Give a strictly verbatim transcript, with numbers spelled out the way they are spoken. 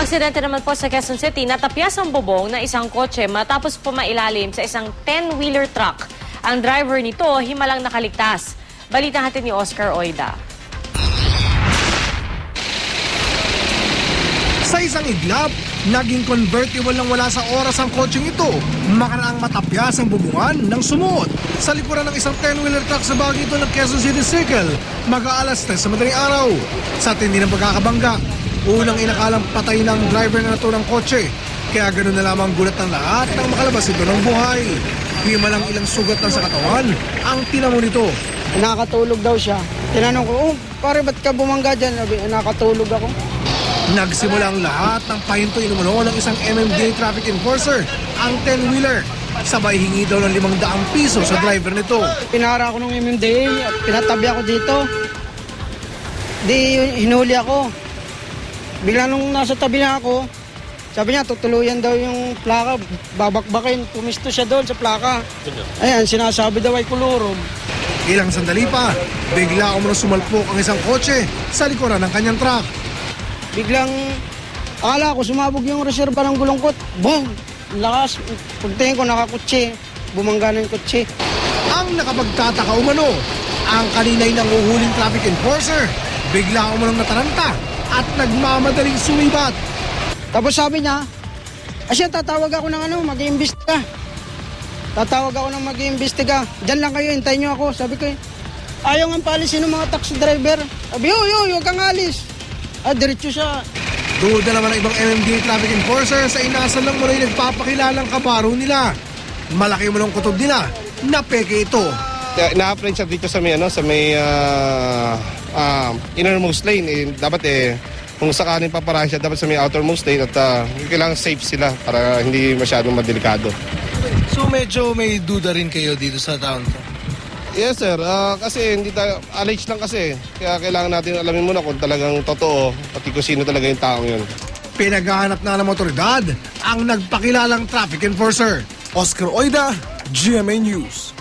Aksidente naman po sa Quezon City, natapyas ang bubong na isang kotse matapos pumailalim sa isang ten-wheeler truck. Ang driver nito, himalang nakaligtas. Balita natin ni Oscar Oida. Sa isang iglap, naging convertible lang wala sa oras ang kotseng ito. Makaraang matapyas ang bubungan ng sumuot sa likuran ng isang ten-wheeler truck sa bahagi ito ng Quezon City Circle, mag-aalas tres sa madaling araw. Sa tindi ng pagkakabangga, unang inakalang patay ng driver na naturang kotse. Kaya ganoon na lamang gulat ng lahat nang makalabas ito ng buhay. Himalang ilang sugat na sa katawan ang tinamo nito. Nakatulog daw siya. Tinanong ko, oh, pare, ba't ka bumangga dyan? Sabi, nakatulog ako. Nagsimula ang lahat ng pahinto inumano ng isang M M D A traffic enforcer, ang ten-wheeler. Sabay hingi daw ng limang daang piso sa driver nito. Pinara ako ng M M D A, pinatabi ako dito. Di, hinuli ako. Bigla nung nasa tabi na ako, sabi niya, tutuluyan daw yung plaka, babakbakin. Pumisto siya doon sa plaka. Ayan, sinasabi daw ay kulurog. Ilang sandali pa, bigla umano sumalpok ang isang kotse sa likuran ng kanyang truck. Biglang, akala ko, sumabog yung reserva ng gulongkot. Boom! Lakas. Pagtingin ko, nakakutsi. Bumangga na yung kutsi. Ang nakapagtataka umano, ang kaninay ng uhuling traffic enforcer, bigla umanong nataranta at nagmamadaling sumibat. Tapos sabi niya, asya, tatawag ako ng ano, mag-iimbestiga. Tatawag ako ng mag-iimbestiga. Diyan lang kayo, hintayin niyo ako. Sabi ko, ayaw nga palisin ng mga taxi driver. Sabi, yo, yo, huwag kang alis. Ah, diretso siya. Duda naman ang ibang M M D A traffic enforcer sa inasan lang muna yung nagpapakilalang kabaro nila. Malaki mo ng kutob nila na peke ito. Na-apprehend siya dito sa may, ano, sa may uh, uh, innermost lane. Eh, dapat eh, kung sakaling paparahin siya, dapat sa may outermost lane at uh, kailangan safe sila para hindi masyadong madelikado. So medyo may duda rin kayo dito sa town to? Yes sir, uh, kasi hindi tayo, alleged lang kasi. Kaya kailangan natin alamin muna kung talagang totoo pati kung sino talaga yung taong yun. Pinaghahanap na ng otoridad ang nagpakilalang traffic enforcer. Oscar Oida, G M A News.